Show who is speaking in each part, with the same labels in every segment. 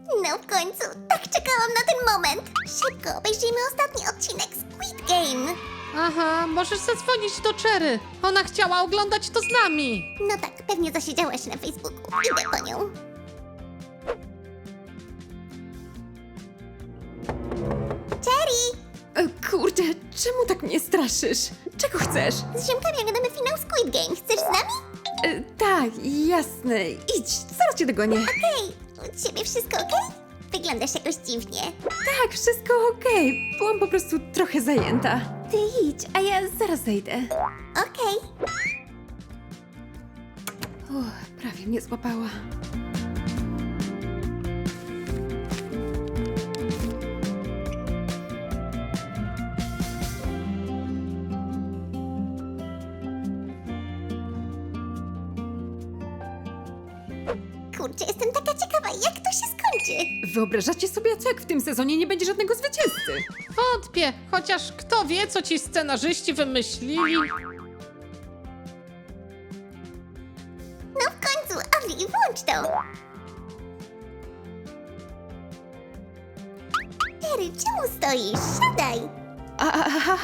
Speaker 1: No w końcu, tak czekałam na ten moment. Szybko obejrzyjmy ostatni odcinek Squid Game.
Speaker 2: Aha, możesz zadzwonić do Cherry. Ona chciała oglądać to z nami.
Speaker 1: No tak, pewnie zasiedziała się na Facebooku. Idę po nią. Cherry!
Speaker 3: Kurde, czemu tak mnie straszysz? Czego chcesz?
Speaker 1: Z ziomkami oglądamy finał Squid Game. Chcesz z nami?
Speaker 3: Tak, jasne. Idź, zaraz cię dogonię.
Speaker 1: Hej, u ciebie wszystko okej? Wyglądasz jakoś dziwnie.
Speaker 3: Tak, wszystko okej. Byłam po prostu trochę zajęta. Ty idź, a ja zaraz zejdę.
Speaker 1: Okej.
Speaker 3: Prawie mnie złapała.
Speaker 1: Kurczę, jestem taka ciekawa, jak to się skończy.
Speaker 3: Wyobrażacie sobie, co jak w tym sezonie nie będzie żadnego zwycięzcy?
Speaker 2: Wątpię, chociaż kto wie, co ci scenarzyści wymyślili.
Speaker 1: No w końcu, Orli, włącz to. Terry, czemu stoisz? Siadaj.
Speaker 3: Aha.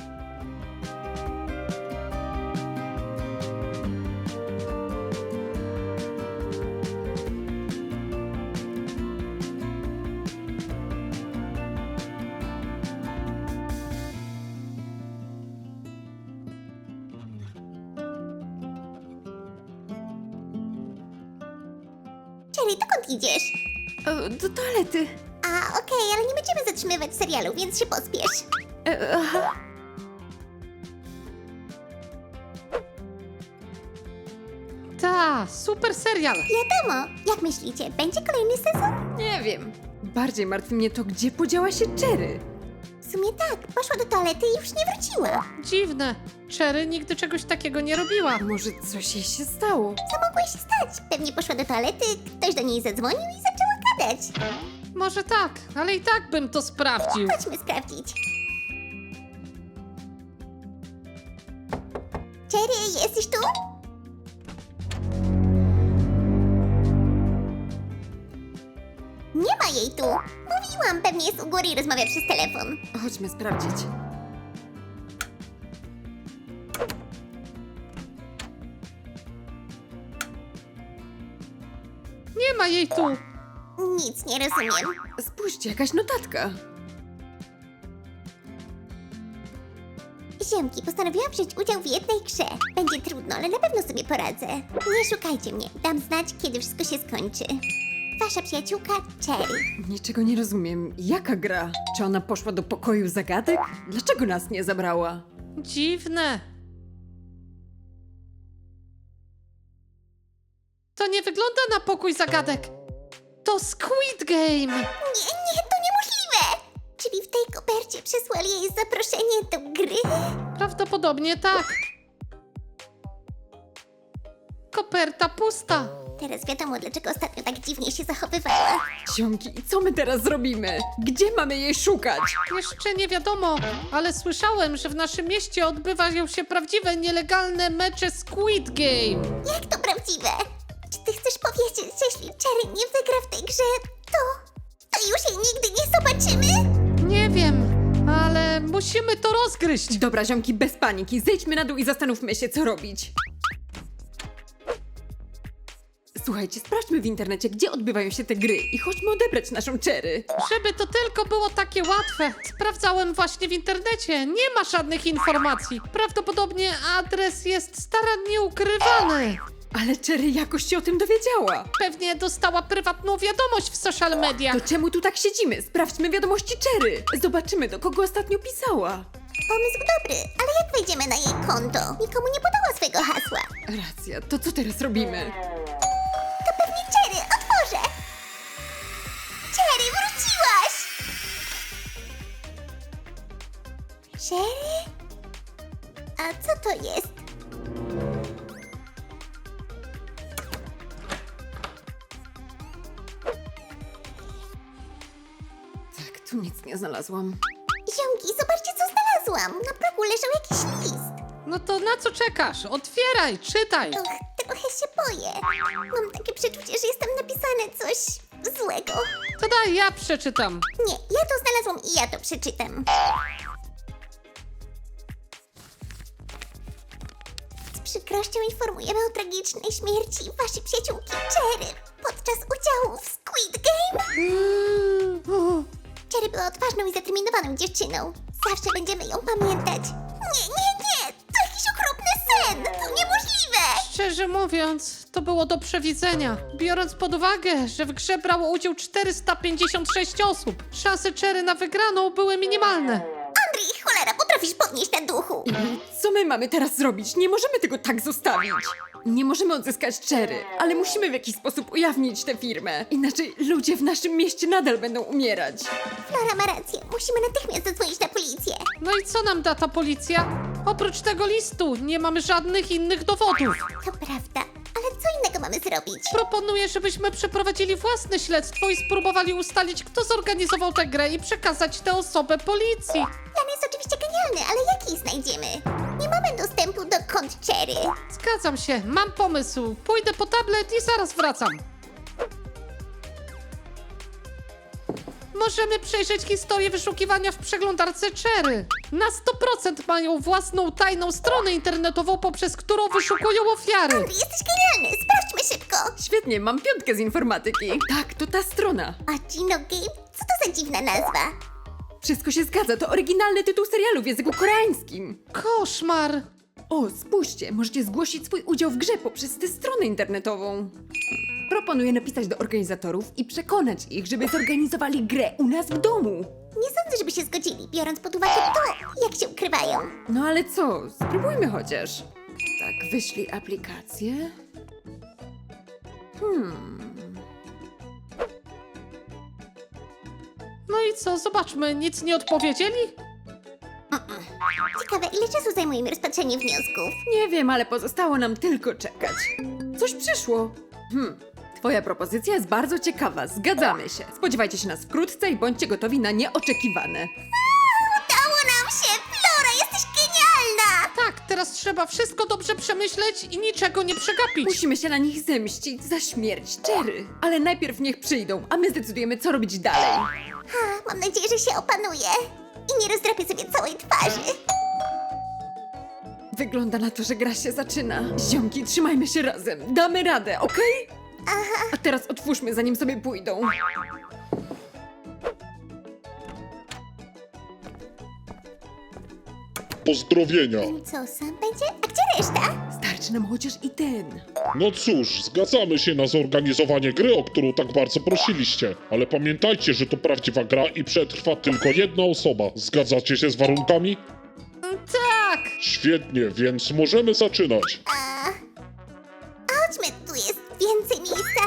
Speaker 1: Cherry, dokąd idziesz?
Speaker 3: Do toalety.
Speaker 1: A, okej, ale nie będziemy zatrzymywać serialu, więc się pospiesz.
Speaker 3: Aha.
Speaker 2: Ta, super serial.
Speaker 1: Wiadomo, jak myślicie, będzie kolejny sezon?
Speaker 3: Nie wiem. Bardziej martwi mnie to, gdzie podziała się Cherry.
Speaker 1: W sumie tak, poszła do toalety i już nie wróciła.
Speaker 2: Dziwne. Cherry nigdy czegoś takiego nie robiła.
Speaker 3: Może coś jej się stało?
Speaker 1: Co mogło się stać? Pewnie poszła do toalety, ktoś do niej zadzwonił i zaczęła gadać.
Speaker 2: Może tak, ale i tak bym to sprawdził.
Speaker 1: Chodźmy sprawdzić. Cherry, jesteś tu? Nie ma jej tu. Mówiłam, pewnie jest u góry i rozmawia przez telefon.
Speaker 3: Chodźmy sprawdzić.
Speaker 2: Nie ma jej tu.
Speaker 1: Nic nie rozumiem.
Speaker 3: Spójrzcie, jakaś notatka.
Speaker 1: Ziomki, postanowiłam wziąć udział w jednej grze. Będzie trudno, ale na pewno sobie poradzę. Nie szukajcie mnie. Dam znać, kiedy wszystko się skończy. Wasza przyjaciółka Cherry.
Speaker 3: Niczego nie rozumiem. Jaka gra? Czy ona poszła do pokoju zagadek? Dlaczego nas nie zabrała?
Speaker 2: Dziwne. To nie wygląda na pokój zagadek. To Squid Game.
Speaker 1: Nie, to niemożliwe! Czyli w tej kopercie przesłali jej zaproszenie do gry?
Speaker 2: Prawdopodobnie tak. Koperta pusta.
Speaker 1: Teraz wiadomo, dlaczego ostatnio tak dziwnie się zachowywała.
Speaker 3: Ziomki, co my teraz zrobimy? Gdzie mamy jej szukać?
Speaker 2: Jeszcze nie wiadomo, ale słyszałem, że w naszym mieście odbywają się prawdziwe, nielegalne mecze Squid Game.
Speaker 1: Jak to prawdziwe? Czy ty chcesz powiedzieć, że jeśli Cherry nie wygra w tej grze, to już jej nigdy nie zobaczymy?
Speaker 2: Nie wiem, ale musimy to rozgryźć.
Speaker 3: Dobra, ziomki, bez paniki. Zejdźmy na dół i zastanówmy się, co robić. Słuchajcie, sprawdźmy w internecie, gdzie odbywają się te gry i chodźmy odebrać naszą Cherry.
Speaker 2: Żeby to tylko było takie łatwe. Sprawdzałem właśnie w internecie. Nie ma żadnych informacji. Prawdopodobnie adres jest starannie ukrywany.
Speaker 3: Ale Cherry jakoś się o tym dowiedziała.
Speaker 2: Pewnie dostała prywatną wiadomość w social mediach.
Speaker 3: To czemu tu tak siedzimy? Sprawdźmy wiadomości Cherry. Zobaczymy, do kogo ostatnio pisała.
Speaker 1: Pomysł dobry, ale jak wejdziemy na jej konto? Nikomu nie podała swojego hasła.
Speaker 3: Racja, to co teraz robimy?
Speaker 1: To pewnie Cherry, otworzę! Cherry, wróciłaś! Cherry? A co to jest?
Speaker 3: Tak, tu nic nie znalazłam.
Speaker 1: Ziomki, zobaczcie co znalazłam! Na progu leżał jakiś list.
Speaker 2: No to na co czekasz? Otwieraj, czytaj.
Speaker 1: Och, trochę się boję. Mam takie przeczucie, że jest tam napisane coś złego.
Speaker 2: To daj, ja przeczytam.
Speaker 1: Nie, ja to znalazłam i ja to przeczytam. Z przykrością informujemy o tragicznej śmierci waszej przyjaciółki Cherry podczas udziału w Squid Game. Cherry była odważną i zdeterminowaną dziewczyną. Zawsze będziemy ją pamiętać. Nie, to jakiś okropny sen! To niemożliwe!
Speaker 2: Szczerze mówiąc, to było do przewidzenia. Biorąc pod uwagę, że w grze brało udział 456 osób, szanse Cherry na wygraną były minimalne.
Speaker 1: Andrzej, cholera, potrafisz podnieść na duchu.
Speaker 3: Co my mamy teraz zrobić? Nie możemy tego tak zostawić. Nie możemy odzyskać Cherry, ale musimy w jakiś sposób ujawnić tę firmę. Inaczej ludzie w naszym mieście nadal będą umierać.
Speaker 1: Flora ma rację, musimy natychmiast zadzwonić na policję.
Speaker 2: No i co nam da ta policja? Oprócz tego listu nie mamy żadnych innych dowodów.
Speaker 1: To prawda, ale co innego mamy zrobić?
Speaker 2: Proponuję, żebyśmy przeprowadzili własne śledztwo i spróbowali ustalić, kto zorganizował tę grę i przekazać tę osobę policji.
Speaker 1: Plan jest oczywiście genialny, ale jak jej znajdziemy? Nie mamy dostępu do kont Cherry.
Speaker 2: Zgadzam się, mam pomysł. Pójdę po tablet i zaraz wracam. Możemy przejrzeć historię wyszukiwania w przeglądarce Cherry. Na 100% mają własną tajną stronę internetową, poprzez którą wyszukują ofiary.
Speaker 1: Andrzej, jesteś genialny, sprawdźmy szybko.
Speaker 3: Świetnie, mam 5 z informatyki. Tak, to ta strona.
Speaker 1: A Gino Game? Co to za dziwna nazwa?
Speaker 3: Wszystko się zgadza, to oryginalny tytuł serialu w języku koreańskim.
Speaker 2: Koszmar.
Speaker 3: O, spójrzcie, możecie zgłosić swój udział w grze poprzez tę stronę internetową. Proponuję napisać do organizatorów i przekonać ich, żeby zorganizowali grę u nas w domu.
Speaker 1: Nie sądzę, żeby się zgodzili, biorąc pod uwagę to, jak się ukrywają.
Speaker 3: No ale co, spróbujmy chociaż. Tak, wyślij aplikację.
Speaker 2: No i co, zobaczmy, nic nie odpowiedzieli?
Speaker 1: Ciekawe, ile czasu zajmuje mi rozpatrzenie wniosków?
Speaker 3: Nie wiem, ale pozostało nam tylko czekać. Coś przyszło. Twoja propozycja jest bardzo ciekawa, zgadzamy się. Spodziewajcie się nas wkrótce i bądźcie gotowi na nieoczekiwane.
Speaker 1: Udało nam się! Flora, jesteś genialna!
Speaker 2: Tak, teraz trzeba wszystko dobrze przemyśleć i niczego nie przegapić.
Speaker 3: Musimy się na nich zemścić za śmierć Cherry. Ale najpierw niech przyjdą, a my zdecydujemy, co robić dalej.
Speaker 1: Mam nadzieję, że się opanuje i nie rozdrapię sobie całej twarzy.
Speaker 3: Wygląda na to, że gra się zaczyna. Ziomki, trzymajmy się razem. Damy radę, okej? A teraz otwórzmy, zanim sobie pójdą.
Speaker 4: Pozdrowienia.
Speaker 1: Co sam będzie? A gdzie reszta?
Speaker 3: Starczy nam chociaż i ten.
Speaker 4: No cóż, zgadzamy się na zorganizowanie gry, o którą tak bardzo prosiliście. Ale pamiętajcie, że to prawdziwa gra i przetrwa tylko jedna osoba. Zgadzacie się z warunkami?
Speaker 2: Tak!
Speaker 4: Świetnie, więc możemy zaczynać.
Speaker 1: Chodźmy, tu jest więcej miejsca.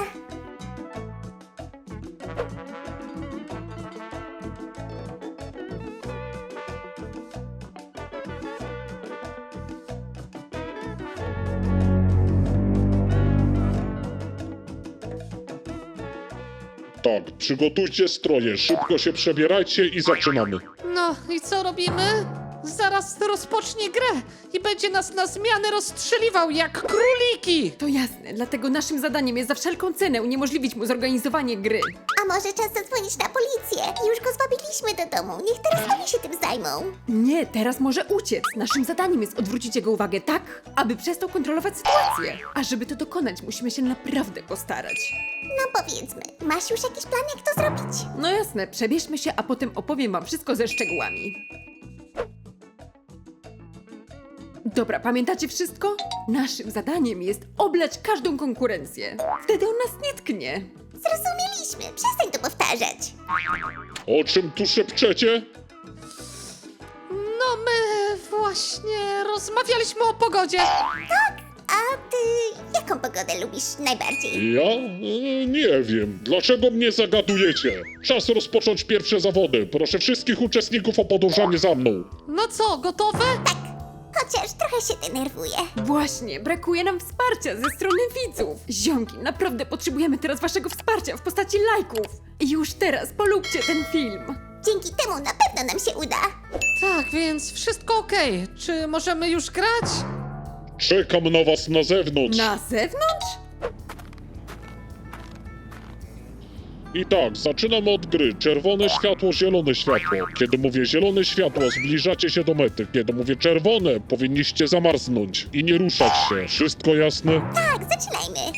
Speaker 4: Tak, przygotujcie stroje, szybko się przebierajcie i zaczynamy.
Speaker 2: No i co robimy? Zaraz rozpocznie grę i będzie nas na zmianę rozstrzeliwał jak króliki!
Speaker 3: To jasne, dlatego naszym zadaniem jest za wszelką cenę uniemożliwić mu zorganizowanie gry.
Speaker 1: A może czas zadzwonić na policję? Już go zwabiliśmy do domu, niech teraz oni się tym zajmą.
Speaker 3: Nie, teraz może uciec. Naszym zadaniem jest odwrócić jego uwagę tak, aby przestał kontrolować sytuację. A żeby to dokonać, musimy się naprawdę postarać.
Speaker 1: No powiedzmy, masz już jakiś plan, jak to zrobić?
Speaker 3: No jasne, przebierzmy się, a potem opowiem wam wszystko ze szczegółami. Dobra, pamiętacie wszystko? Naszym zadaniem jest oblać każdą konkurencję. Wtedy on nas nie tknie.
Speaker 1: Zrozumieliśmy, przestań to powtarzać.
Speaker 4: O czym tu szepczecie?
Speaker 2: No my właśnie rozmawialiśmy o pogodzie.
Speaker 1: A ty jaką pogodę lubisz najbardziej?
Speaker 4: Ja? Nie wiem. Dlaczego mnie zagadujecie? Czas rozpocząć pierwsze zawody. Proszę wszystkich uczestników o podążanie za mną.
Speaker 2: No co, gotowe?
Speaker 1: Chociaż trochę się denerwuję.
Speaker 3: Właśnie, brakuje nam wsparcia ze strony widzów. Ziomki, naprawdę potrzebujemy teraz waszego wsparcia w postaci lajków. I już teraz polubcie ten film.
Speaker 1: Dzięki temu na pewno nam się uda.
Speaker 2: Tak, więc wszystko okej. Czy możemy już grać?
Speaker 4: Czekam na was na zewnątrz.
Speaker 3: Na zewnątrz?
Speaker 4: I tak, zaczynamy od gry. Czerwone światło, zielone światło. Kiedy mówię zielone światło, zbliżacie się do mety. Kiedy mówię czerwone, powinniście zamarznąć i nie ruszać się. Wszystko jasne?
Speaker 1: Tak, zaczynajmy.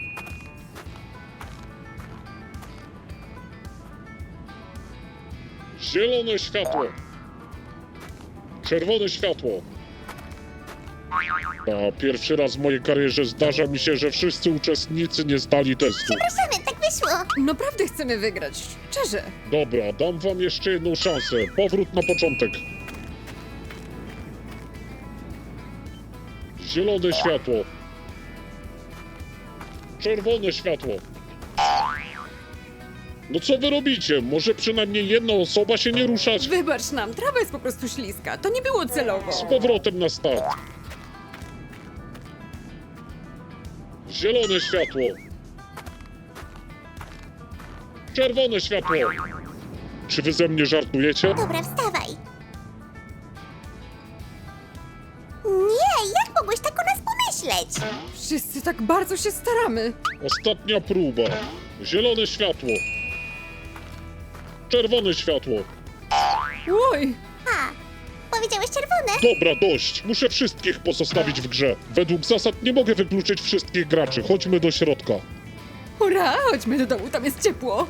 Speaker 4: Zielone światło. Czerwone światło. A pierwszy raz w mojej karierze zdarza mi się, że wszyscy uczestnicy nie zdali testu.
Speaker 1: Przepraszamy, tak wyszło.
Speaker 3: Naprawdę chcemy wygrać, szczerze.
Speaker 4: Dobra, dam wam jeszcze jedną szansę. Powrót na początek. Zielone światło. Czerwone światło. No co wy robicie? Może przynajmniej jedna osoba się nie ruszać?
Speaker 3: Wybacz nam, trawa jest po prostu śliska. To nie było celowo.
Speaker 4: Z powrotem na start. Zielone światło. Czerwone światło. Czy wy ze mnie żartujecie?
Speaker 1: Dobra, wstawaj. Nie, jak mogłeś tak o nas pomyśleć?
Speaker 3: Wszyscy tak bardzo się staramy.
Speaker 4: Ostatnia próba. Zielone światło. Czerwone światło.
Speaker 3: Oj,
Speaker 1: A, powiedziałeś czerwone?
Speaker 4: Dobra, dość. Muszę wszystkich pozostawić w grze. Według zasad nie mogę wykluczyć wszystkich graczy. Chodźmy do środka.
Speaker 3: hurra, chodźmy do domu, tam jest ciepło.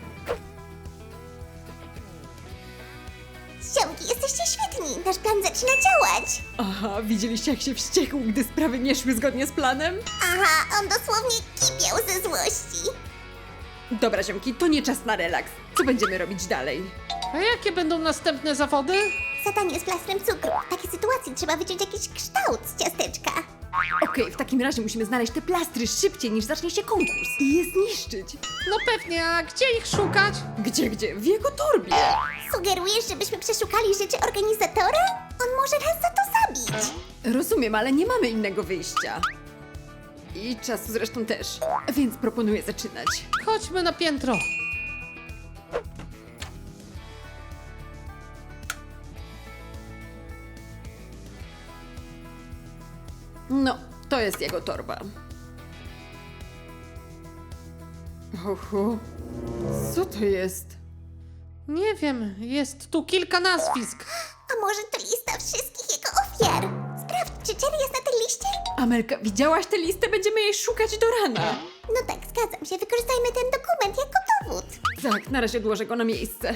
Speaker 1: Ziomki, jesteście świetni. Nasz plan zaczyna działać.
Speaker 3: Aha, widzieliście jak się wściekł, gdy sprawy nie szły zgodnie z planem?
Speaker 1: Aha, on dosłownie kipiał ze złości.
Speaker 3: Dobra, ziomki, to nie czas na relaks. Co będziemy robić dalej?
Speaker 2: A jakie będą następne zawody?
Speaker 1: Zadanie z plastrem cukru. W takiej sytuacji trzeba wyciąć jakiś kształt z ciasteczka.
Speaker 3: Okej, w takim razie musimy znaleźć te plastry szybciej niż zacznie się konkurs i je zniszczyć.
Speaker 2: No pewnie, a gdzie ich szukać?
Speaker 3: Gdzie? W jego torbie.
Speaker 1: Sugerujesz, żebyśmy przeszukali rzeczy organizatora? On może nas za to zabić.
Speaker 3: Rozumiem, ale nie mamy innego wyjścia. I czasu zresztą też, więc proponuję zaczynać.
Speaker 2: Chodźmy na piętro.
Speaker 3: No, to jest jego torba. Oho, co to jest?
Speaker 2: Nie wiem, jest tu kilka nazwisk.
Speaker 1: A może to lista wszystkich jego ofiar? Sprawdź, czy Cherry jest na tej liście?
Speaker 3: Amelka, widziałaś tę listę? Będziemy jej szukać do rana.
Speaker 1: No tak, zgadzam się. Wykorzystajmy ten dokument jako dowód.
Speaker 3: Tak, na razie odłożę go na miejsce.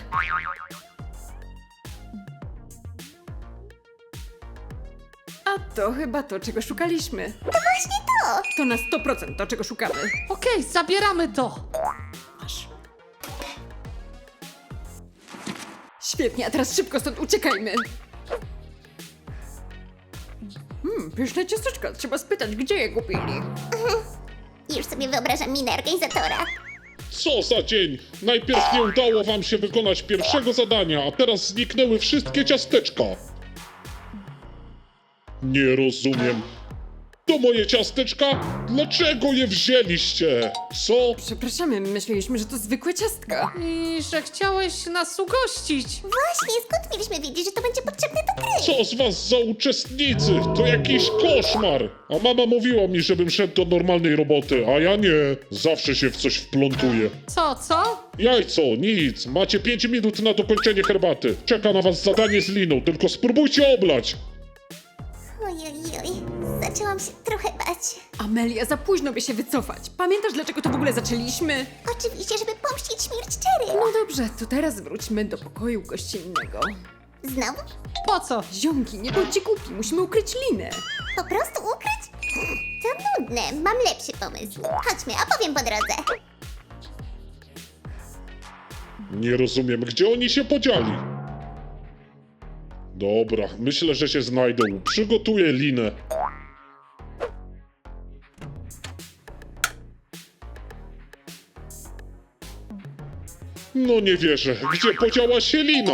Speaker 3: A to chyba to, czego szukaliśmy.
Speaker 1: To właśnie to.
Speaker 3: To na 100% to, czego szukamy.
Speaker 2: Okej, zabieramy to.
Speaker 3: Masz. Świetnie, a teraz szybko stąd uciekajmy. Pyszne ciasteczka. Trzeba spytać, gdzie je kupili.
Speaker 1: Już sobie wyobrażam minę organizatora.
Speaker 4: Co za dzień! Najpierw nie udało wam się wykonać pierwszego zadania, a teraz zniknęły wszystkie ciasteczka. Nie rozumiem. To moje ciasteczka? Dlaczego je wzięliście? Co?
Speaker 3: Przepraszamy, myśleliśmy, że to zwykłe ciastka.
Speaker 2: I że chciałeś nas ugościć.
Speaker 1: Właśnie, skąd mieliśmy wiedzieć, że to będzie potrzebne do gry?
Speaker 4: Co z was za uczestnicy? To jakiś koszmar! A mama mówiła mi, żebym szedł do normalnej roboty, a ja nie. Zawsze się w coś wplątuję.
Speaker 2: Co?
Speaker 4: Jajco, nic. Macie 5 minut na dokończenie herbaty. Czeka na was zadanie z liną, tylko spróbujcie oblać.
Speaker 1: Ojojoj, zaczęłam się trochę bać.
Speaker 3: Amelia, za późno by się wycofać. Pamiętasz, dlaczego to w ogóle zaczęliśmy?
Speaker 1: Oczywiście, żeby pomścić śmierć Cherry.
Speaker 3: No dobrze, to teraz wróćmy do pokoju gościnnego.
Speaker 1: Znowu?
Speaker 2: Po co?
Speaker 3: Ziomki, nie bądźcie głupi, musimy ukryć linę.
Speaker 1: Po prostu ukryć? To nudne, mam lepszy pomysł. Chodźmy, opowiem po drodze.
Speaker 4: Nie rozumiem, gdzie oni się podzieli. Dobra, myślę, że się znajdą. Przygotuję linę. No nie wierzę, gdzie podziała się lina?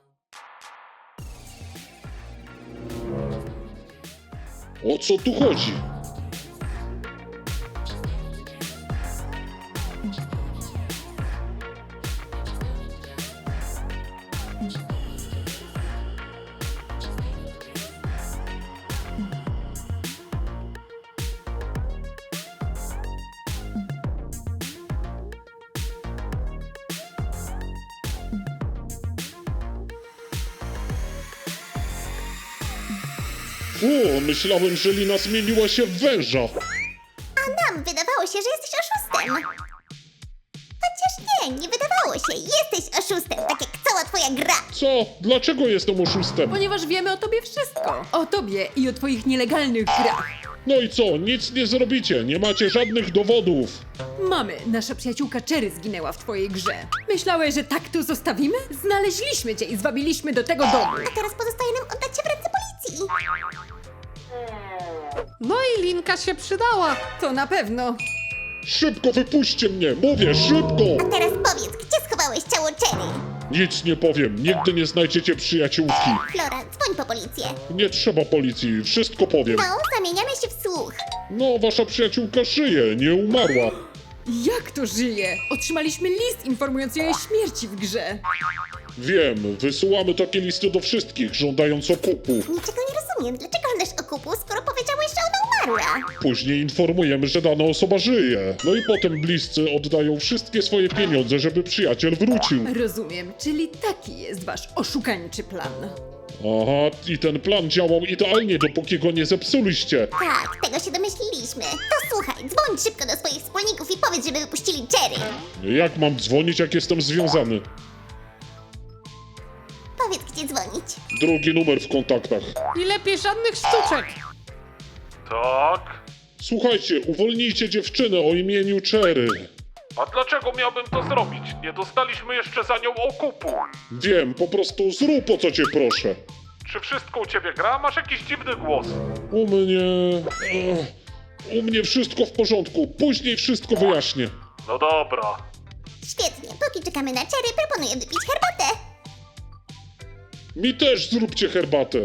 Speaker 4: O co tu chodzi? O, myślałem, że Lina zmieniła się w węża.
Speaker 1: A nam wydawało się, że jesteś oszustem. Chociaż nie wydawało się. Jesteś oszustem, tak jak cała twoja gra.
Speaker 4: Co? Dlaczego jestem oszustem?
Speaker 3: Ponieważ wiemy o tobie wszystko. O tobie i o twoich nielegalnych grach.
Speaker 4: No i co? Nic nie zrobicie, nie macie żadnych dowodów.
Speaker 3: Mamy, nasza przyjaciółka Cherry zginęła w twojej grze. Myślałeś, że tak tu zostawimy? Znaleźliśmy cię i zwabiliśmy do tego domu.
Speaker 1: A teraz pozostaje nam oddać cię w ręce policji.
Speaker 2: No i Linka się przydała.
Speaker 3: To na pewno.
Speaker 4: Szybko wypuśćcie mnie, mówię, szybko!
Speaker 1: A teraz powiedz, gdzie schowałeś ciało Cherry?
Speaker 4: Nic nie powiem, nigdy nie znajdziecie przyjaciółki.
Speaker 1: Flora, dzwoń po policję.
Speaker 4: Nie trzeba policji, wszystko powiem.
Speaker 1: No, zamieniamy się w słuch.
Speaker 4: No, wasza przyjaciółka żyje, nie umarła.
Speaker 3: Jak to żyje? Otrzymaliśmy list informujący o jej śmierci w grze.
Speaker 4: Wiem, wysyłamy takie listy do wszystkich, żądając okupu.
Speaker 1: Niczego nie rozumiem. Dlaczego żądasz okupu, skoro powiedziałeś, że ona umarła?
Speaker 4: Później informujemy, że dana osoba żyje. No i potem bliscy oddają wszystkie swoje pieniądze, żeby przyjaciel wrócił.
Speaker 3: Rozumiem, czyli taki jest wasz oszukańczy plan.
Speaker 4: Aha, i ten plan działał idealnie, dopóki go nie zepsuliście.
Speaker 1: Tak, tego się domyśliliśmy. To słuchaj, dzwoń szybko do swoich wspólników i powiedz, żeby wypuścili Cherry.
Speaker 4: Jak mam dzwonić, jak jestem związany?
Speaker 1: Powiedz, gdzie dzwonić.
Speaker 4: Drugi numer w kontaktach.
Speaker 2: I lepiej żadnych sztuczek.
Speaker 4: Tak? Słuchajcie, uwolnijcie dziewczynę o imieniu Cherry.
Speaker 5: A dlaczego miałbym to zrobić? Nie dostaliśmy jeszcze za nią okupu.
Speaker 4: Wiem, po prostu zrób o co cię proszę.
Speaker 5: Czy wszystko u ciebie gra? Masz jakiś dziwny głos.
Speaker 4: U mnie... u mnie wszystko w porządku, później wszystko wyjaśnię.
Speaker 5: No dobra.
Speaker 1: Świetnie, póki czekamy na Cherry, proponuję wypić herbatę.
Speaker 4: Mi też zróbcie herbatę.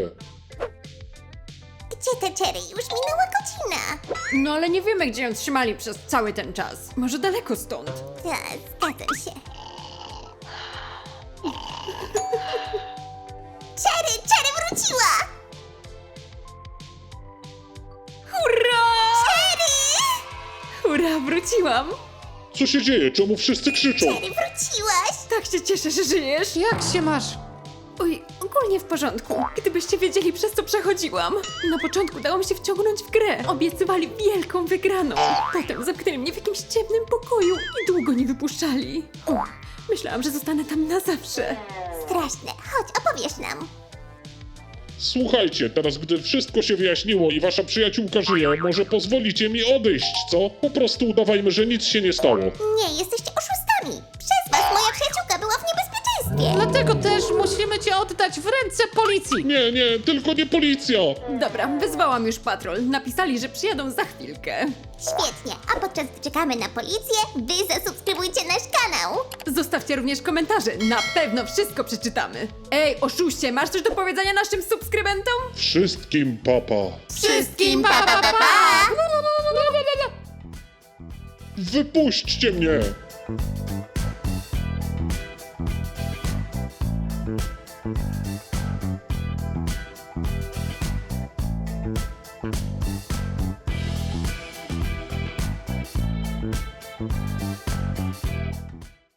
Speaker 1: Gdzie te Cherry? Już minęła godzina.
Speaker 3: No ale nie wiemy, gdzie ją trzymali przez cały ten czas. Może daleko stąd.
Speaker 1: Tak, zgadzam się. Cherry wróciła!
Speaker 3: Hurra!
Speaker 1: Cherry!
Speaker 3: Hurra, wróciłam!
Speaker 4: Co się dzieje? Czemu wszyscy krzyczą?
Speaker 1: Cherry, wróciłaś!
Speaker 3: Tak się cieszę, że żyjesz.
Speaker 2: Jak się masz?
Speaker 3: Oj, ogólnie w porządku. Gdybyście wiedzieli, przez co przechodziłam. Na początku dało mi się wciągnąć w grę. Obiecywali wielką wygraną. Potem zamknęli mnie w jakimś ciemnym pokoju i długo nie wypuszczali. Myślałam, że zostanę tam na zawsze.
Speaker 1: Straszne. Chodź, opowiesz nam.
Speaker 4: Słuchajcie, teraz gdy wszystko się wyjaśniło i wasza przyjaciółka żyje, może pozwolicie mi odejść, co? Po prostu udawajmy, że nic się nie stało.
Speaker 1: Nie, jesteście oszustami. Przez was moja przyjaciółka była w niebezpieczeństwie.
Speaker 2: Dlatego też musimy cię oddać w ręce policji.
Speaker 4: Nie, tylko nie policja!
Speaker 3: Dobra, wyzwałam już patrol. Napisali, że przyjadą za chwilkę.
Speaker 1: Świetnie, a podczas gdy czekamy na policję, wy zasubskrybujcie nasz kanał.
Speaker 3: Zostawcie również komentarze. Na pewno wszystko przeczytamy. Ej, oszuście, masz coś do powiedzenia naszym subskrybentom?
Speaker 4: Wszystkim papa.
Speaker 3: Wszystkim pa, pa, pa, pa.
Speaker 4: Wypuśćcie mnie!